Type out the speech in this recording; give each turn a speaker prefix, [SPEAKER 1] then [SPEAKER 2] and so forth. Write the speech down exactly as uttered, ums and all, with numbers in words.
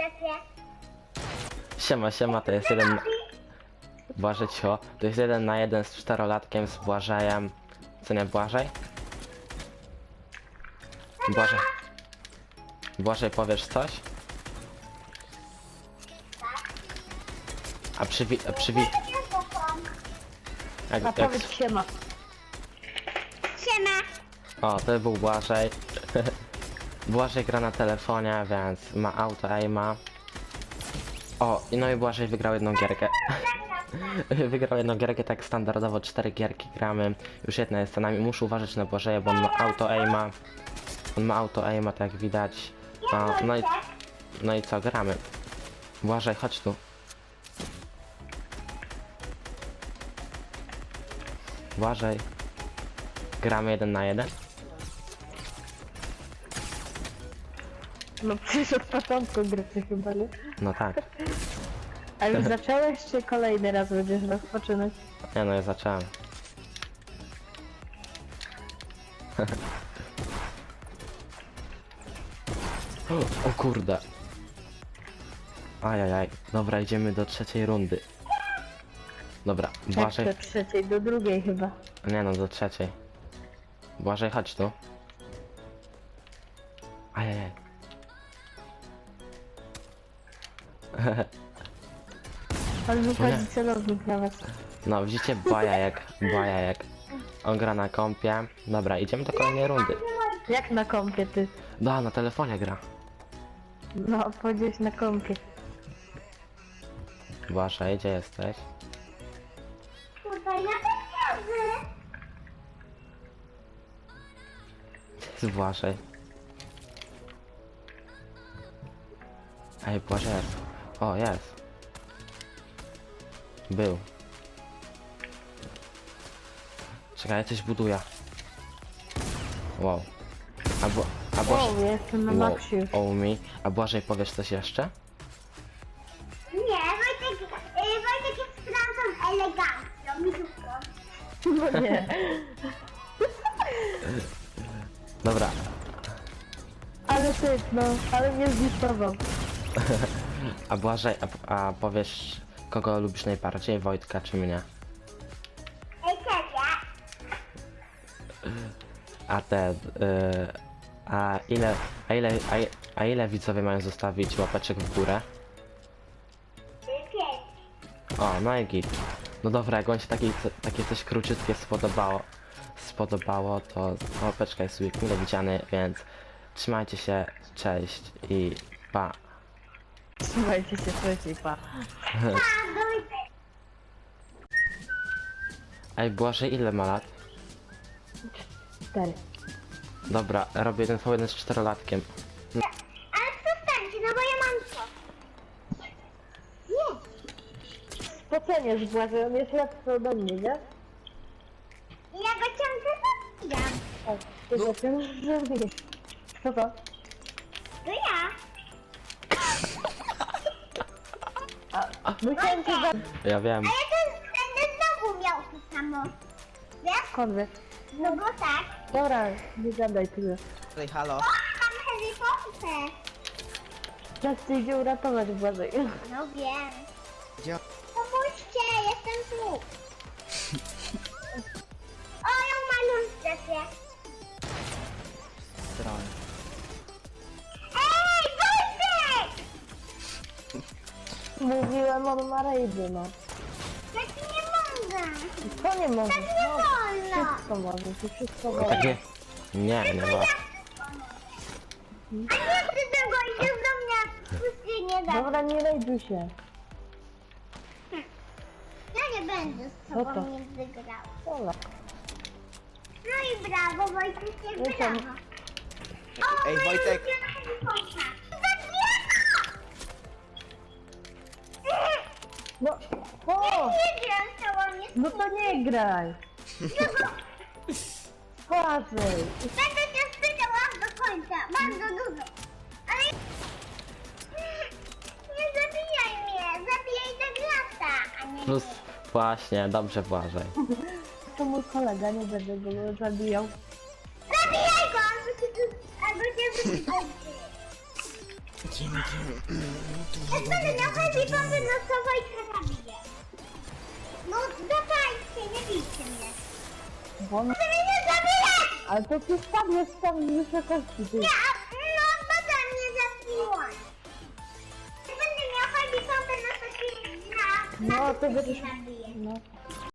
[SPEAKER 1] strefie.
[SPEAKER 2] Siema, siema, to jest jeden... Błażej, cio. To jest jeden na jeden z czterolatkiem, z Błażejem. Co nie, Błażej? Błażej. Błażej, powiesz coś? A przywi... A przywi... Jak,
[SPEAKER 3] A
[SPEAKER 2] jak...
[SPEAKER 3] powiedz siema.
[SPEAKER 1] Siema.
[SPEAKER 2] O, to był Błażej. Błażej gra na telefonie, więc ma auto aima. O, i no i Błażej wygrał jedną gierkę. Wygrał jedną gierkę, tak standardowo cztery gierki gramy. Już jedna jest za nami. Muszę uważać na Błażeja, bo on ma auto aima. On ma auto aima, tak jak widać. No, no i... No i co, gramy. Błażej, chodź tu. Błażej. Gramy jeden na jeden.
[SPEAKER 3] No przecież od początku gry ty chyba, nie?
[SPEAKER 2] No tak.
[SPEAKER 3] A już zacząłeś, czy kolejny raz będziesz rozpoczynać?
[SPEAKER 2] Nie no, ja zacząłem. O kurde. Ajajaj. Dobra, idziemy do trzeciej rundy. Dobra,
[SPEAKER 3] Jak
[SPEAKER 2] Błażej...
[SPEAKER 3] do trzeciej, do drugiej chyba.
[SPEAKER 2] Nie no, do trzeciej. Błażej, chodź tu. Ajajaj.
[SPEAKER 3] On
[SPEAKER 2] Nie.
[SPEAKER 3] wychodzi celownik na was.
[SPEAKER 2] No, widzicie, bajajek, bajajek. On gra na kompie. Dobra, idziemy do kolejnej rundy.
[SPEAKER 3] Jak na kompie ty?
[SPEAKER 2] No, na telefonie gra.
[SPEAKER 3] No, powiedziałeś na kompie.
[SPEAKER 2] Błażej, gdzie jesteś?
[SPEAKER 1] Tutaj na pieniądze.
[SPEAKER 2] Gdzie jest Błażej? Ej, Błażej jest. O, jest. Był. Czekaj, ja coś buduję. Wow. A, Bła- a Błażej...
[SPEAKER 3] O, ja jestem na
[SPEAKER 2] Wow,
[SPEAKER 3] maksie już.
[SPEAKER 2] o mi. A Błażej, powiesz coś jeszcze?
[SPEAKER 1] Nie, Wojtek, y, Wojtek jest Francą elegancką, misówką.
[SPEAKER 3] No nie.
[SPEAKER 2] Dobra.
[SPEAKER 3] Ale ty, no, ale mnie zniszczował.
[SPEAKER 2] A Błażej, a, a powiesz, kogo lubisz najbardziej? Wojtka czy mnie?
[SPEAKER 1] Ej, ciebie.
[SPEAKER 2] A te... Y, a ile... A ile... A, i- a ile widzowie mają zostawić łapeczek w górę?
[SPEAKER 1] Pięć.
[SPEAKER 2] O, no i git. No dobra, jak wam się takie, takie coś króciutkie spodobało, spodobało, to łapeczka jest sobie mile widziany, więc trzymajcie się, cześć i pa.
[SPEAKER 3] Trzymajcie się, trzeciej, pa.
[SPEAKER 1] A, Wojtek.
[SPEAKER 2] Ej, Błażej, ile ma lat?
[SPEAKER 3] Cztery.
[SPEAKER 2] Dobra, robię jeden po jeden z czterolatkiem.
[SPEAKER 1] Ale przestańcie, no bo ja mam co. Nie.
[SPEAKER 3] Spoceniesz Błażej, on jest lepszy ode mnie, nie?
[SPEAKER 1] Ja go ciągle zabijam.
[SPEAKER 3] O, ty go ciągle zabijesz. Co to?
[SPEAKER 1] To ja.
[SPEAKER 3] Musiałem cię za...
[SPEAKER 2] Ja wiem.
[SPEAKER 1] A ja to będę znowu miał to samo. Wiesz?
[SPEAKER 3] Skąd wiesz?
[SPEAKER 1] No bo tak.
[SPEAKER 3] Dobra, nie gadaj tyle.
[SPEAKER 4] Ej, halo.
[SPEAKER 1] O, mam Harry Potter.
[SPEAKER 3] Czas cię idzie uratować Błażej.
[SPEAKER 1] No wiem.
[SPEAKER 4] Gdzie?
[SPEAKER 1] Pomóżcie, jestem tu. O, ją malą w strefie.
[SPEAKER 4] Stron.
[SPEAKER 1] Ej, Wojtek!
[SPEAKER 3] Mówiłem, on ma rejdy, no.
[SPEAKER 1] Tak nie mogę.
[SPEAKER 3] Co nie możesz?
[SPEAKER 1] Nie
[SPEAKER 3] No,
[SPEAKER 1] wolno.
[SPEAKER 3] wszystko możesz, i wszystko
[SPEAKER 2] No
[SPEAKER 3] możesz.
[SPEAKER 2] tak nie. Nie, nie ma.
[SPEAKER 1] A nie chcę tego, idziesz do mnie. Pusty nie da.
[SPEAKER 3] Dobra, nie rejduj się.
[SPEAKER 1] Ja nie będę z
[SPEAKER 3] No to.
[SPEAKER 1] tobą nie wygrał.
[SPEAKER 3] Dobra.
[SPEAKER 1] No i brawo, Wojtek, nie
[SPEAKER 3] No to-
[SPEAKER 1] brawo. O,
[SPEAKER 4] Ej,
[SPEAKER 1] moja
[SPEAKER 4] Wojtek.
[SPEAKER 1] ulubiona Harry Potter. Zabijano!
[SPEAKER 3] No, o!
[SPEAKER 1] Nie gram z tobą, nie
[SPEAKER 3] No to nie graj. Błażej.
[SPEAKER 1] Będę cię spytał aż do końca, bardzo dużo. Ale... Nie zabijaj mnie, zabijaj Douglasa, a nie
[SPEAKER 2] Plus,
[SPEAKER 1] mnie.
[SPEAKER 2] właśnie, dobrze, Błażej.
[SPEAKER 3] To mój kolega, nie będę go zabijał.
[SPEAKER 1] Zabijaj go, albo cię, tu- albo cię wypadnie. Jak będę miał heavy bomby, no to Wojtka zabiję. No dawajcie, nie bijcie mnie.
[SPEAKER 3] Bo on...
[SPEAKER 1] Ty mnie nie zabijać!
[SPEAKER 3] Ale to ty spadłeś tam z wysokości, ty.
[SPEAKER 1] Nie, a- no bada mnie zabiła. Jak będę miał heavy bomby, no to się na...
[SPEAKER 3] No, to
[SPEAKER 1] na
[SPEAKER 3] będziesz...
[SPEAKER 1] zabiję.
[SPEAKER 3] No.